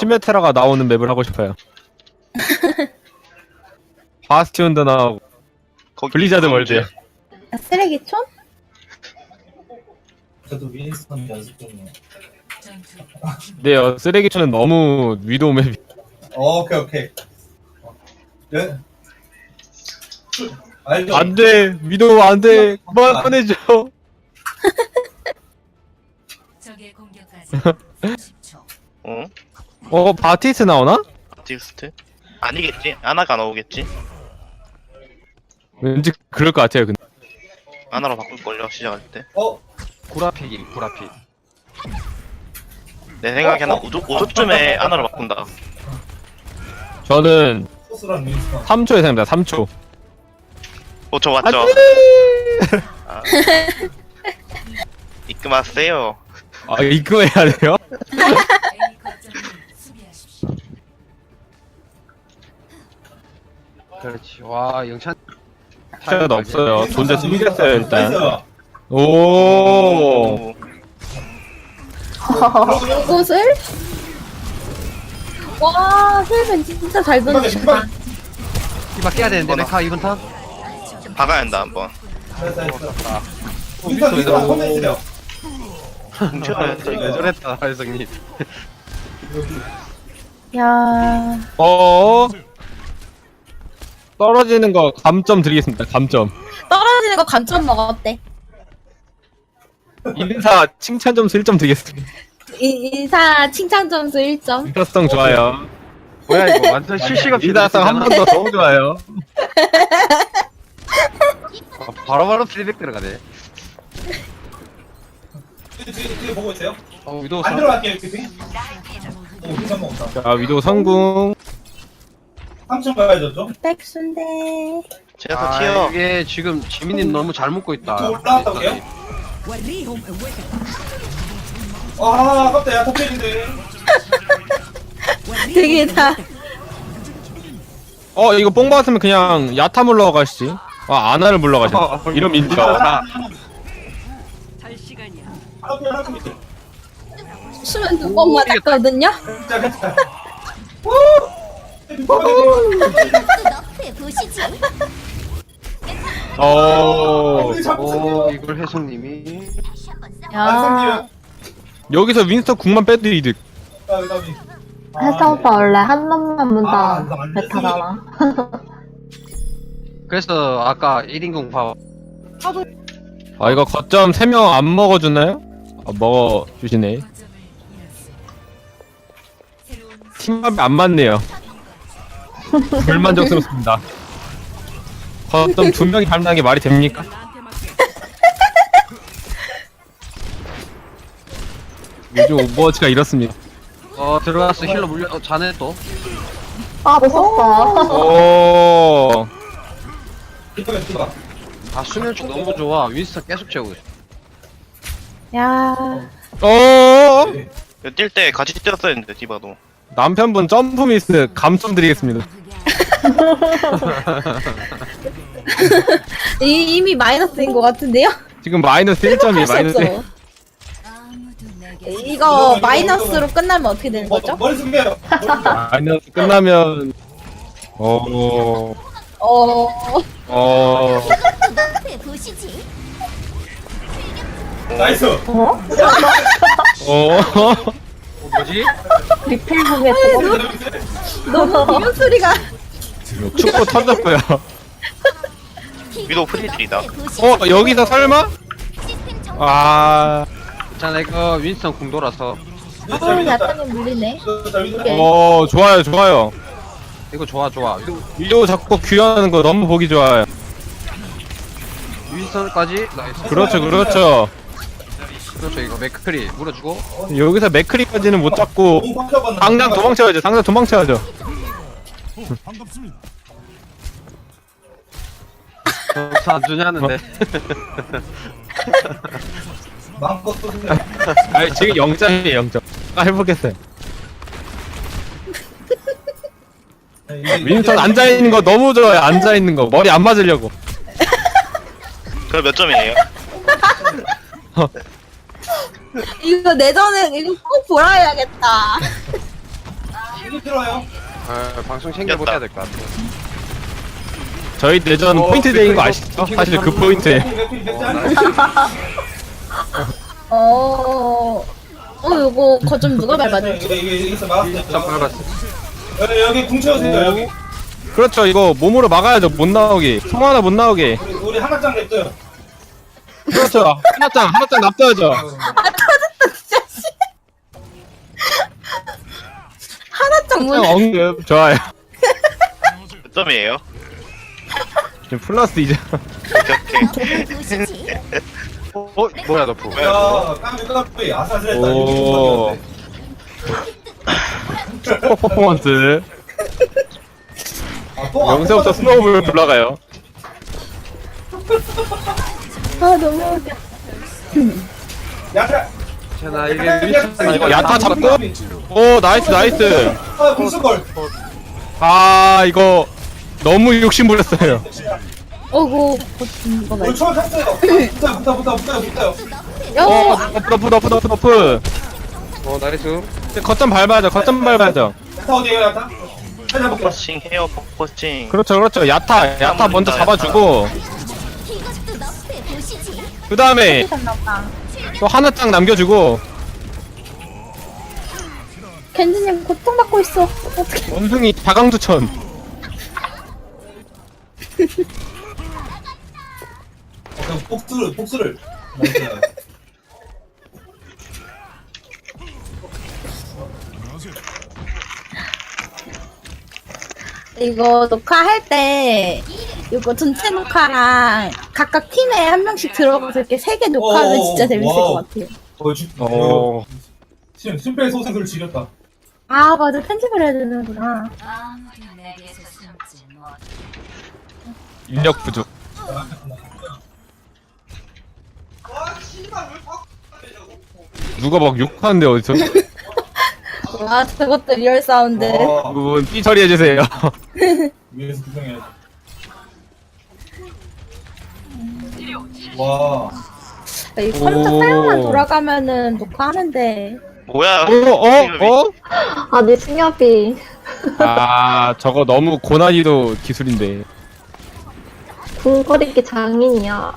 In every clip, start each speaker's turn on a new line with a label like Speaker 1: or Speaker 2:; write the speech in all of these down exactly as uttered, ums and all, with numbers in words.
Speaker 1: 시메테라가 나오는 맵을 하고 싶어요. 바스티온도 나오고
Speaker 2: 거기
Speaker 1: 블리자드 월드.
Speaker 3: 아, 쓰레기촌?
Speaker 4: 저도 윈스턴 연습 중이에요.
Speaker 1: 네요. 쓰레기촌은 너무 위도우 맵이.
Speaker 4: 어, 오케이 오케이. 네? 알죠?
Speaker 1: 안돼 위도우 안돼 그만 꺼내줘.
Speaker 5: 적의 공격까지 삼십 초.
Speaker 2: 어?
Speaker 1: 어 바티스 나오나?
Speaker 2: 아티스트? 아니겠지? 아나가 나오겠지?
Speaker 1: 왠지 그럴 것 같아요. 근데
Speaker 2: 아나로 바꿀걸요 시작할 때.
Speaker 4: 어?
Speaker 6: 구라픽이 구라픽.
Speaker 2: 내 생각에는 오 조, 오 조쯤에 아나로 바꾼다.
Speaker 1: 저는
Speaker 4: 소스랑 윈스턴.
Speaker 1: 삼 초 예상입니다. 삼 초.
Speaker 2: 오 저 맞죠?
Speaker 1: 안돼.
Speaker 2: 아. 입금하세요.
Speaker 1: 아 입금해야 돼요?
Speaker 5: A 거점을 수비하십시오.
Speaker 6: 그렇지. 와 영찬.
Speaker 1: 시간 없어요. 존재 숨겼어요 일단.
Speaker 4: 나이스.
Speaker 1: 오.
Speaker 3: 이곳을? 와, 힐벤 진짜 잘
Speaker 4: 금방에
Speaker 3: 던진다.
Speaker 4: 금방.
Speaker 6: 이마 깨야 되는데 메카 이번 턴.
Speaker 2: 박아야 한다 한번.
Speaker 4: 나이스 나이스. 윈스턴 윈스턴 혼자 있어요.
Speaker 2: 훔쳐야 돼
Speaker 6: 왜
Speaker 2: 이거.
Speaker 6: 저랬다 할성님.
Speaker 3: 야,
Speaker 1: 어. 떨어지는 거 감점 드리겠습니다. 감점.
Speaker 3: 떨어지는 거 감점 먹었대.
Speaker 1: 인사 칭찬 점수 일 점 드리겠습니다.
Speaker 3: 이, 인사 칭찬 점수 일 점.
Speaker 1: 인사성 좋아요.
Speaker 6: 뭐야 이거 완전 실시간
Speaker 1: 인사성 한 번 더 너무 좋아요.
Speaker 6: 아, 바로바로 피드백 들어가네.
Speaker 4: 뒤에 뒤에 뒤에 보고 있어요.
Speaker 6: 어 위도우
Speaker 4: 안
Speaker 6: 선.
Speaker 4: 들어갈게요 이렇게 뒤. 오, 윈스턴 먹었다.
Speaker 1: 자 위도 성공.
Speaker 4: 삼 층 가야죠 좀.
Speaker 3: 백순대.
Speaker 2: 제가
Speaker 6: 아
Speaker 2: 튀어.
Speaker 6: 이게 지금 지민이 너무 잘 묶고 있다.
Speaker 4: 또 올라왔다고요? 아, 아깝다. 야, 탑필인데.
Speaker 3: 되게 다.
Speaker 1: 어 이거 뽕 받았으면 그냥 야타 물러가시지. 아 아나를 물러가시네. 이런 민주가.
Speaker 4: 탑필 탑필.
Speaker 3: 수면 두 번 맞았거든요?
Speaker 4: 진짜 괜찮아.
Speaker 1: 어
Speaker 4: 우리 자꾸
Speaker 6: 오
Speaker 4: 생겨.
Speaker 6: 이걸 혜성님이.
Speaker 3: 야,
Speaker 4: 완성이에요.
Speaker 1: 여기서 윈스턴 궁만 빼도 이득.
Speaker 4: 다음에 다음에.
Speaker 7: 혜성 오빠 원래 한 놈만
Speaker 4: 아,
Speaker 7: 문다
Speaker 4: 이거 안
Speaker 7: 베타잖아.
Speaker 6: 그래서 아까 일 인공 파.
Speaker 1: 아 이거 거점 세 명 안 먹어주나요? 아 먹어주시네.
Speaker 5: 거점을 잃었습니다. 새로운
Speaker 1: 팀합이 안 맞네요. 불만족스럽습니다. 거점 두 명이 닮는 게 말이 됩니까? 요즘 오버워치가 이렇습니다.
Speaker 6: 어 들어갔어 힐러 물려. 어 자네 또.
Speaker 7: 아, 못 썼어.
Speaker 1: 오.
Speaker 4: 이쪽에 이쪽에.
Speaker 6: 아 수면축 너무 좋아. 윈스턴 계속 채우고 있어.
Speaker 3: 야.
Speaker 1: 어.
Speaker 2: 뛸 때 같이 뛰었어야 했는데 디바도.
Speaker 1: 남편분 점프 미스 감점 드리겠습니다.
Speaker 3: 이, 이미 마이너스인 것 같은데요?
Speaker 1: 지금 마이너스 일 점이
Speaker 3: 할 수
Speaker 1: 마이너스.
Speaker 3: 없어.
Speaker 5: 아무도 내게
Speaker 3: 이거 마이너스로 끝나면 어떻게 되는 거죠?
Speaker 4: 머리 숙여요.
Speaker 1: 마이너스 끝나면 어.
Speaker 3: 어,
Speaker 1: 어.
Speaker 4: 나이스.
Speaker 1: 어.
Speaker 6: 뭐지?
Speaker 7: 리필북에 또
Speaker 3: 너무 비명 소리가.
Speaker 1: 축구 터졌고요.
Speaker 2: 위도 프리딜이다.
Speaker 1: 어 여기서 설마? 아.
Speaker 6: 자 이거 윈스턴 궁 돌아서.
Speaker 3: 어, 야타님 물리네.
Speaker 1: 어 좋아요 좋아요.
Speaker 6: 이거 좋아 좋아.
Speaker 1: 위도 자꾸 귀환하는 거 너무 보기 좋아요.
Speaker 6: 윈스턴까지 나이스.
Speaker 1: 그렇죠 그렇죠.
Speaker 6: 그렇죠 이거 맥크리 물어주고.
Speaker 1: 여기서 맥크리까지는 못 잡고 당장 도망쳐야죠. 당장 도망쳐야죠.
Speaker 6: 점수 안 주냐는데.
Speaker 4: 마음껏 쏘세요.
Speaker 1: 아니 지금 영 점이에요 영 점. 아 해보겠어요. 윈스턴 앉아 있는 거 너무 좋아요. 앉아 있는 거 머리 안 맞으려고.
Speaker 2: 그럼 몇 점이에요?
Speaker 3: 이거 내전에 이거 꼭 보라 해야겠다.
Speaker 4: 들어요.
Speaker 6: 아, 방송 챙겨보고 해야 될 것 같아.
Speaker 1: 저희 내전
Speaker 6: 어,
Speaker 1: 포인트 대인 거
Speaker 6: 맥클이
Speaker 1: 아시죠?
Speaker 6: 맥클이
Speaker 1: 사실 그
Speaker 6: 맥클이
Speaker 1: 포인트.
Speaker 4: 맥필 맥필
Speaker 6: 어,
Speaker 4: 맥짤.
Speaker 3: 어. 어 이거 거점 누가 밟아줬지?
Speaker 4: 이게 이게 있어 막았어요.
Speaker 6: 자, 밟았어.
Speaker 4: 여기 여기 궁 채우세요 여기.
Speaker 1: 그렇죠. 이거 몸으로 막아야죠. 못 나오게. 송 하나 못 나오게.
Speaker 4: 우리 우리 하나짱 냅둬요.
Speaker 1: 그렇죠. 하나짱 하나짱 납둬야죠.
Speaker 3: 하나짱 문.
Speaker 1: 언급 좋아요.
Speaker 2: 몇 점이에요?
Speaker 1: 지금 플러스 이제.
Speaker 2: 오케이 오케이.
Speaker 6: 어, 뭐야, 너프.
Speaker 4: 야 까비 까비 아사스했다.
Speaker 1: 오. 슈퍼 퍼포먼스.
Speaker 4: 아, 또
Speaker 1: 여기서부터 스노우볼 올라가요.
Speaker 3: 아 너무 웃겨.
Speaker 4: 야타.
Speaker 6: 괜찮아, 이게
Speaker 4: 야,
Speaker 6: 윈스턴이
Speaker 1: 이거 야타 잡고. 오 나이스 나이스.
Speaker 4: 아 궁수걸.
Speaker 1: 아 이거 너무 욕심 부렸어요.
Speaker 3: 어구 거점 누가
Speaker 4: 우리
Speaker 3: 밟?
Speaker 4: 초월 탔어요. 붙어요 붙어 붙어 붙어요 붙어요.
Speaker 1: 어
Speaker 3: 야.
Speaker 1: 너프 너프 너프 너프 너프.
Speaker 6: 어, 나이스.
Speaker 1: 거점 밟아야죠. 거점 밟아야죠.
Speaker 4: 야타 어디에요 야타? 찾아볼게요.
Speaker 2: 포커싱 해요 포커싱.
Speaker 1: 그렇죠 그렇죠. 야타 야타 먼저 잡아주고. 그 다음에 또 하나짱 남겨주고.
Speaker 3: 겐지님 고통받고 있어. 어떻게?
Speaker 1: 원숭이 다강두천.
Speaker 4: 어, 복수를 복수를. 나이스.
Speaker 3: 이거 녹화할 때 이거 전체 녹화랑 각각 팀에 한 명씩 들어가서 이렇게 세 개 녹화하면
Speaker 4: 오,
Speaker 3: 진짜 재밌을
Speaker 4: 와우.
Speaker 3: 것 같아요.
Speaker 4: 어, 주,
Speaker 1: 어.
Speaker 4: 어. 심, 심폐소생술을 지렸다.
Speaker 3: 아 맞아 편집을 해야 되는구나.
Speaker 5: 아무도 내게서 숨지 못.
Speaker 1: 인력 부족. 누가 막 욕하는데 어디서?
Speaker 3: 와 저것도 리얼 사운드.
Speaker 4: 어,
Speaker 1: 그분 삐 처리해주세요.
Speaker 4: 위에서 구경해야지. 와.
Speaker 3: 이 컴퓨터
Speaker 1: 오.
Speaker 3: 사용만 돌아가면은 녹화하는데.
Speaker 2: 뭐야?
Speaker 1: 어? 어? 어?
Speaker 7: 아니, 승엽이.
Speaker 1: 아 저거 너무 고난이도 기술인데.
Speaker 7: 궁거리기 장인이야.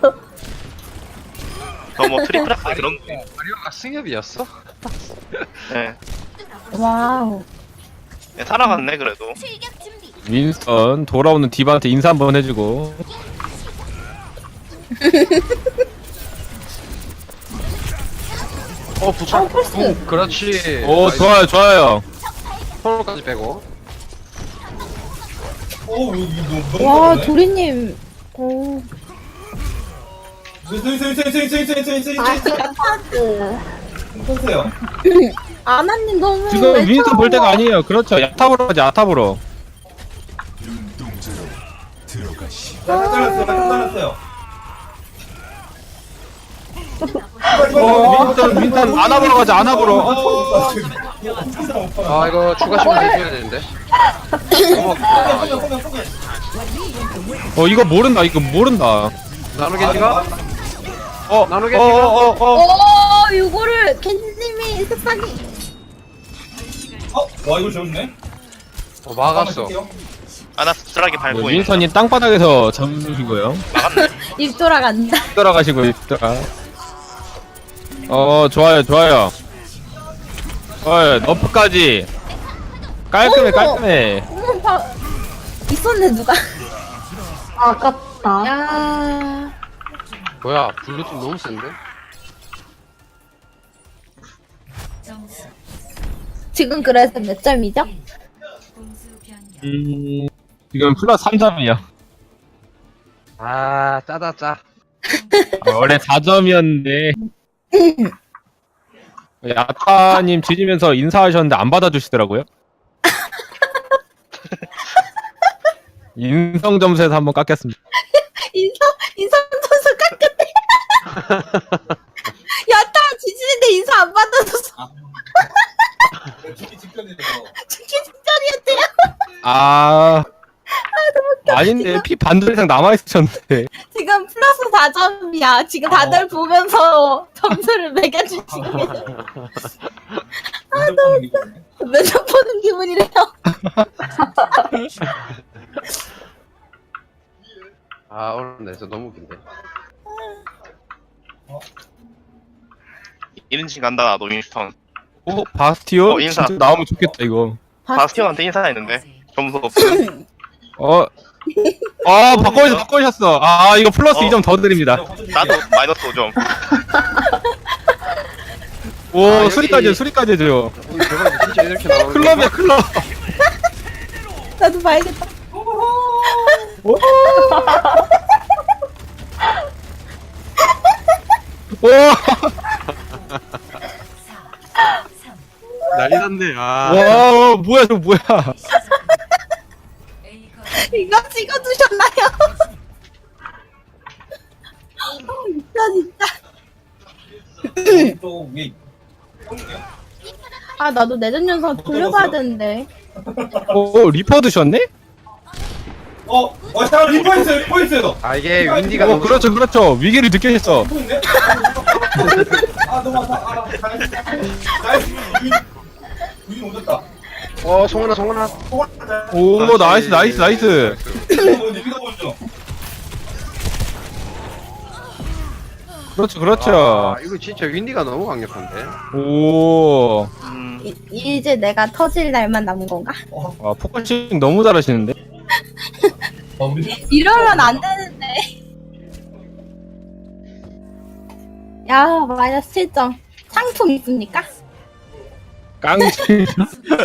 Speaker 2: 너뭐 트리플 아 그런 거.
Speaker 6: 마리오가 승엽이었어?
Speaker 2: 네.
Speaker 3: 와우.
Speaker 2: 네, 살아갔네 그래도.
Speaker 1: 윈스턴 돌아오는 디바한테 인사 한번 해주고.
Speaker 6: 어, 부착.
Speaker 3: 어, 펄스.
Speaker 6: 그렇지.
Speaker 1: 오 좋아요 좋아요.
Speaker 6: 서로까지 빼고.
Speaker 4: 오, 이거 너무 너무
Speaker 3: 와
Speaker 4: 빠르네.
Speaker 3: 도리님. 오.
Speaker 4: 스윙, 스윙, 스윙, 스윙, 스윙, 스윙, 스윙, 스윙,
Speaker 7: 아,
Speaker 4: 스윙.
Speaker 7: 파스.
Speaker 4: 보세요.
Speaker 3: 아나님 너무.
Speaker 1: 지금
Speaker 3: 외로워.
Speaker 1: 윈스턴 볼 때가 아니에요. 그렇죠. 야탑으로 하지 야탑으로.
Speaker 4: 자, 잘랐어요, 잘랐어요.
Speaker 1: 어 윈스턴 윈스턴 안압으로 가자 안압으로.
Speaker 4: 어,
Speaker 6: 아, 이거 추가 시간 내줘야 되는데. 어머,
Speaker 1: 어 이거 모른다 이거 모른다.
Speaker 6: 나누겐지가?
Speaker 1: 어
Speaker 6: 나누게
Speaker 1: 어어어 어, 어.
Speaker 3: 오 이거를 겐지님이 습관이.
Speaker 4: 어, 와 이거 좋네.
Speaker 6: 어, 막았어.
Speaker 2: 아나 씁쓸하게 밟고 있는.
Speaker 1: 윈스턴이 땅바닥에서 잡으시고요.
Speaker 2: 막았네.
Speaker 3: 입 돌아간다.
Speaker 1: 돌아가시고 있다가. 어 좋아요 좋아요. 어 너프까지. 깔끔해
Speaker 3: 어머.
Speaker 1: 깔끔해.
Speaker 3: 어머 봐. 있었네 누가.
Speaker 7: 아깝다.
Speaker 3: 야.
Speaker 6: 뭐야, 블루팀 너무 센데?
Speaker 5: 점수
Speaker 3: 지금 그래서 몇 점이죠?
Speaker 5: 공수 변경.
Speaker 1: 음 지금 플러스 삼 점이요.
Speaker 6: 아, 짜다, 짜.
Speaker 1: 아, 원래 사 점이었는데. 야타님 지지면서 인사하셨는데 안 받아주시더라고요. 인성 점수에서 한번 깎였습니다.
Speaker 3: 인성 인성 선수 깎였대. 야타 지지는데 인사 안 받아줘서
Speaker 4: 죽기 직전이네.
Speaker 3: 죽기 직전이었대요.
Speaker 1: 아, 아닌데 피 반절 이상 남아 있으셨는데.
Speaker 3: 지금 플러스 사 점이야. 지금 다들 보면서 점수를 매겨주시고.
Speaker 4: 면접 보는 기분이네.
Speaker 3: 면접 보는 기분이래요.
Speaker 6: 아 오늘 내서 너무 긴데.
Speaker 2: 일 인칭 간다 나도 윈스턴.
Speaker 1: 오 바스티오
Speaker 2: 어, 인사.
Speaker 1: 진짜 나오면 좋겠다 이거.
Speaker 2: 바스티온한테 인사했는데 점수 없음.
Speaker 1: 어. 아 바꿔주셨 바꿔주셨어. 아 이거 플러스
Speaker 2: 어.
Speaker 1: 이 점 더 드립니다.
Speaker 2: 나도 마이너스 오 점.
Speaker 1: 오
Speaker 6: 아, 여기-
Speaker 1: 수리까지 수리까지 해줘요.
Speaker 6: 오늘 대박이 진짜 이렇게 나오는
Speaker 1: 클럽이야 클럽.
Speaker 3: 나도 봐야겠다.
Speaker 1: 오.
Speaker 6: 난리 났네. 아.
Speaker 1: 와 뭐야 저 뭐야.
Speaker 5: A 거
Speaker 3: 이거 찍어두셨나요? 진짜 진짜.
Speaker 4: 또 위에
Speaker 3: 아 나도 내전 연상 돌려봐야 되는데.
Speaker 1: 오 리퍼 드셨네?
Speaker 4: 어, 어, 잠깐 리포 있어요, 리포 있어요.
Speaker 6: 아 이게 윈디가
Speaker 1: 오
Speaker 6: 너무
Speaker 1: 그렇죠 그렇죠 위기를 느끼셨어.
Speaker 4: 리포 있네? 아, 너무 아파. 아, 잘했어. 나이스. 위기 오졌다.
Speaker 6: 어 송은아 송은아.
Speaker 1: 오 나이스 나이스 나이스.
Speaker 4: 위기가 보죠.
Speaker 1: 그렇죠 그렇죠.
Speaker 6: 아 이거 진짜 윈디가 너무 강력한데.
Speaker 1: 오.
Speaker 2: 음,
Speaker 3: 이, 이제 내가 터질 날만 남은 건가?
Speaker 1: 아 포커싱 너무 잘하시는데.
Speaker 4: 어, 우리
Speaker 3: 이러면 안 되는데. 야 마이너스 칠 점. 상품 있습니까?
Speaker 1: 깡치.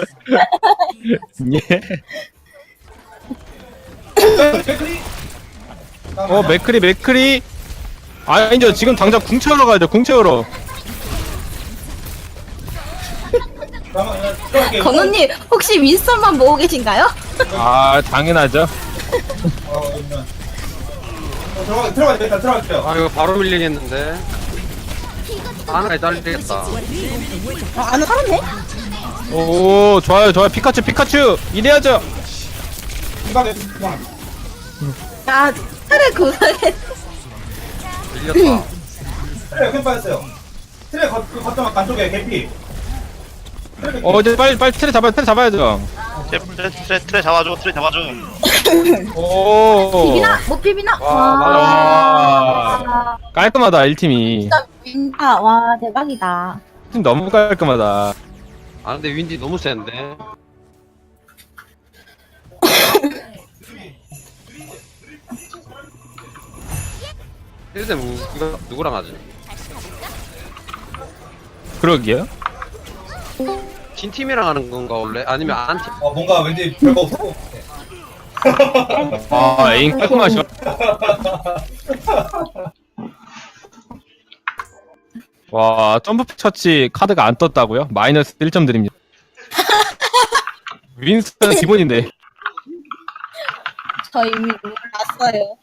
Speaker 1: 예.
Speaker 4: 백크리.
Speaker 1: 어 맥크리 맥크리. 아니죠 지금 당장 궁 채우러 가야죠 궁 채우러.
Speaker 4: 잠깐만, 들어갈게요.
Speaker 3: 건우님 혹시 윈스턴만 보고 계신가요?
Speaker 1: 아 당연하죠.
Speaker 4: 어, 그러면. 어, 들어가, 들어가, 일단 들어갈게요.
Speaker 6: 아 이거 바로 밀리겠는데. 하나에 딸리겠다.
Speaker 3: 아, 안 살았네?
Speaker 1: 오 좋아요 좋아요 피카츄 피카츄 이래야죠.
Speaker 4: 이방에, 이방.
Speaker 3: 야 차례 구성해.
Speaker 6: 밀렸다.
Speaker 4: 트레 여기 빠졌어요. 트레 거, 그 거점만 간쪽에 개피. 트레 개피.
Speaker 1: 어 이제 빨리 빨리 트레 잡아야 트레 잡아야죠.
Speaker 2: 트레, 트레, 트레, 트레 잡아줘, 트레 잡아줘.
Speaker 1: 오.
Speaker 3: 비비나? 못 비비나?
Speaker 6: 와,
Speaker 3: 와.
Speaker 1: 깔끔하다 일 팀이.
Speaker 3: 진짜 윈, 아, 와, 대박이다.
Speaker 1: 팀 너무 깔끔하다.
Speaker 6: 아 근데 윈디 너무 센데. 일대 누가 누구랑 하지?
Speaker 1: 그러게요.
Speaker 6: 진 팀이랑 하는 건가 원래? 아니면 안 팀?
Speaker 4: 어, 뭔가 왠지 별거 없고.
Speaker 1: 아 에임 깔끔하셔. 와 점프 처치 카드가 안 떴다고요? 마이너스 일 점 드립니다. 윈스턴 기본인데.
Speaker 3: 저 이미 몰랐어요.